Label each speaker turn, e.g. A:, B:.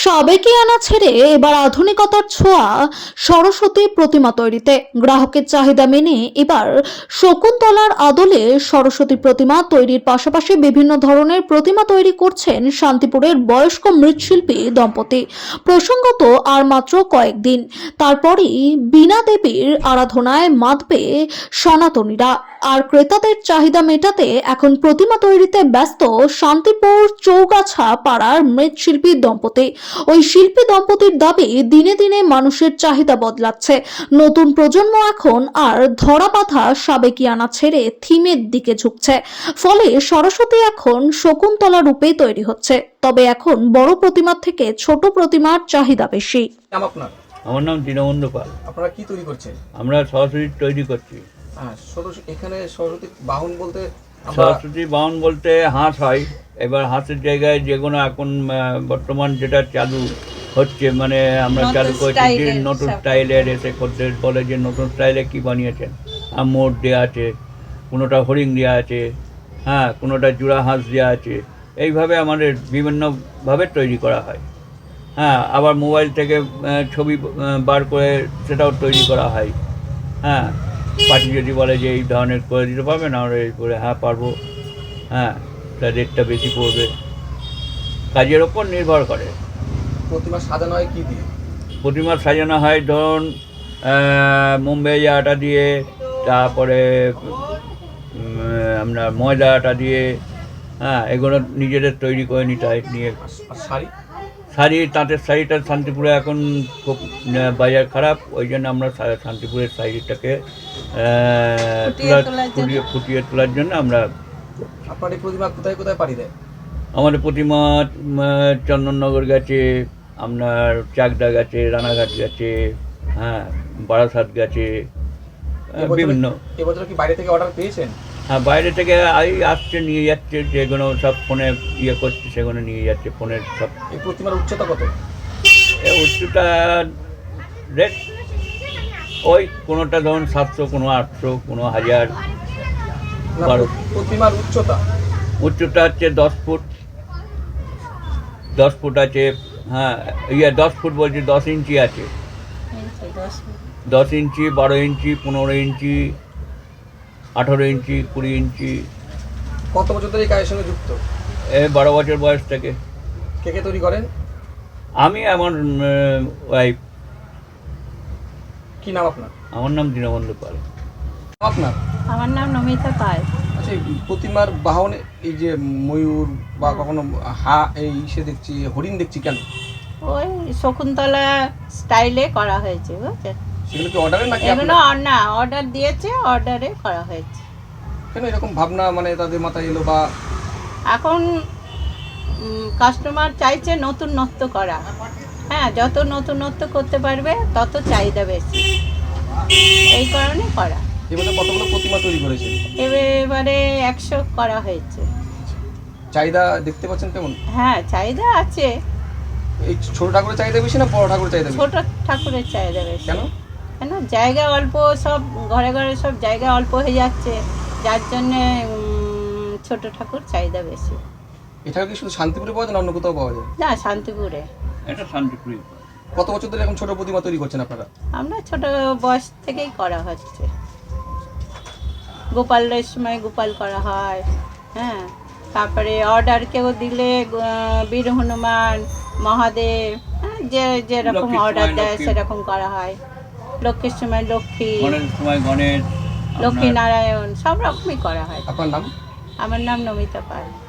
A: সাবেকিয়ানা ছেড়ে এবার আধুনিকতার ছোঁয়া সরস্বতী প্রতিমা তৈরিতে। গ্রাহকের চাহিদা মেনে এবার শকুন্তলার আদলে সরস্বতী প্রতিমা তৈরির পাশাপাশি বিভিন্ন ধরনের প্রতিমা তৈরি করছেন শান্তিপুরের বয়স্ক মৃৎশিল্পী দম্পতি। প্রসঙ্গত আর মাত্র কয়েকদিন, তারপরই বীণা দেবীর আরাধনায় মাতবে সনাতনীরা। আর ক্রেতাদের চাহিদা মেটাতে এখন প্রতিমা তৈরিতে ব্যস্ত শান্তিপুর চৌগাছা পাড়ার মৃৎশিল্পী দম্পতি। ওই শিল্পী দম্পতির দাবি, দিনে দিনে মানুষের চাহিদা বদলাচ্ছে। নতুন প্রজন্ম এখন আর ধরা বাঁধা সাবেকিয়ানা ছেড়ে থিমের দিকে ঝুঁকছে। ফলে সরস্বতী এখন শকুন্তলা রূপে তৈরি হচ্ছে। তবে এখন বড় প্রতিমার থেকে ছোট প্রতিমার চাহিদা বেশি।
B: আমার নাম দীনবন্ধু পাল।
C: আপনারা কি তৈরি করছেন?
B: আমরা সরস্বতী তৈরি করছি।
C: এখানে সরস্বতী বাহন বলতে
B: সরস্বতী বাহন বলতে হাঁস হয়। এবার হাঁসের জায়গায় যে কোনো এখন বর্তমান যেটা চালু হচ্ছে, মানে আমরা চালু করছি যে নতুন স্টাইলের, এসে খদ্দের বলে যে নতুন স্টাইলে কি বানিয়েছেন। মোট দেওয়া আছে, কোনোটা হরিণ দেওয়া আছে, হ্যাঁ, কোনোটা জোড়া হাঁস দেওয়া আছে। এইভাবে আমাদের বিভিন্নভাবে তৈরি করা হয়। হ্যাঁ, আবার মোবাইল থেকে ছবি বার করে সেটাও তৈরি করা হয়। হ্যাঁ, পার্টি যদি বলে যে এই ধরনের করে দিতে পারবেন, আমরা এই করে হ্যাঁ পারবো। হ্যাঁ, তার রেটটা বেশি পড়বে, কাজের ওপর নির্ভর করে।
C: প্রতিমা সাজানো হয় কি দিয়ে?
B: প্রতিমা সাজানো হয় ধরুন মুম্বাই আটা দিয়ে, তারপরে আমরা ময়দা আটা দিয়ে। হ্যাঁ, এগুলো নিজেদের তৈরি করে নিতে হয়। নিয়ে
C: আর শাড়ি,
B: তাঁতের শাড়িটা শান্তিপুরে এখন খুব বাজার খারাপ, ওই জন্য আমরা শান্তিপুরের শাড়িটাকে ফুটিয়ে তোলার জন্য আমরা।
C: আপনার এই প্রতিমা কোথায় কোথায় পাড়ি দেয়?
B: আমাদের প্রতিমা চন্দননগর গেছে, আপনার চাকদা গেছে, রানাঘাট গেছে, হ্যাঁ, বারাসাত গেছে, বিভিন্ন।
C: এবছর কি বাইরে থেকে অর্ডার পেয়েছেন?
B: হ্যাঁ, বাইরে থেকে আসছে, নিয়ে যাচ্ছে, যেগুলো সব ফোনে ইয়ে করছে সেগুলো নিয়ে যাচ্ছে ফোনের সব।
C: এই প্রতিমার উচ্চতা কত?
B: উচ্চতা রেট ওই কোনোটা ধরুন 700, কোনো 800, কোনো 1000, 1200।
C: প্রতিমার
B: উচ্চতা হচ্ছে 10 ফুট। 10 ফুট আছে। হ্যাঁ, 10 ফুট বলছি, 10 ইঞ্চি আছে। 10 ইঞ্চি, 12 ইঞ্চি, 15 ইঞ্চি, 18 ইঞ্চি, 20 ইঞ্চি।
C: কত বছর ধরে এই কাজের সঙ্গে যুক্ত?
B: 12 বছর বয়স থেকে।
C: কে কে তৈরি করেন?
B: আমি, আমার ওয়াইফ।
C: কি নাম আপনার?
B: আমার নাম দীনবন্ধু পাল।
C: আপনার?
D: আমার নাম নমিতা পাল।
C: আচ্ছা, এই প্রতিমার বাহন, এই যে ময়ূর বা কখনো এই সে দেখছি হরিণ দেখছি, কেন?
D: ওই শকুন্তলা স্টাইলে করা হয়েছে, বুঝছেন?
C: সেগুলো কি অর্ডারে নাকি?
D: এগুলো না, অর্ডার দিয়েছে, অর্ডারে করা হয়েছে।
C: কেন এরকম ভাবনা মানে তাদের মাথায় এলো? বা
D: এখন কাস্টমার চাইছে নতুনত্ব করা। হ্যাঁ, যত নতুনত্ব করতে পারবে তত চাহিদা বেশি, এই কারণে করা।
C: এবারে কতগুলো প্রতিমা তৈরি করেছেন?
D: এবারে 100 করা হয়েছে।
C: চাহিদা দেখতে পাচ্ছেন কেমন?
D: হ্যাঁ, চাহিদা আছে।
C: এই ছোট ঠাকুরের চাহিদা বেশি না বড় ঠাকুরের চাহিদা বেশি?
D: ছোট ঠাকুরের চাহিদা বেশি।
C: কেন?
D: কেন, জায়গা অল্প, সব ঘরে ঘরে সব জায়গা অল্প হয়ে যাচ্ছে, যার জন্যে ছোট ঠাকুর চাহিদা বেশি।
C: এটা কি শুধু শান্তিপুরে পাওয়া যায় না অন্য কোথাও পাওয়া যায়?
D: না, শান্তিপুরে।
B: এটা শান্তিপুরে।
C: কত বছর ধরে এখন ছোট প্রতিমা তৈরি করছেন আপনারা?
D: আমরা ছোট বয়স থেকেই করা হচ্ছে। গোপালের সময় গোপাল করা হয়। হ্যাঁ, তারপরে অর্ডার কেউ দিলে বীর হনুমান, মহাদেব, হ্যাঁ, যেরকম অর্ডার দেয় সেরকম করা হয়। লক্ষ্মীর সময় লক্ষ্মী,
B: গণেশ,
D: লক্ষ্মী নারায়ণ, সব রকমই করা হয়।
C: আপনার নাম?
D: আমার নাম নমিতা পাল।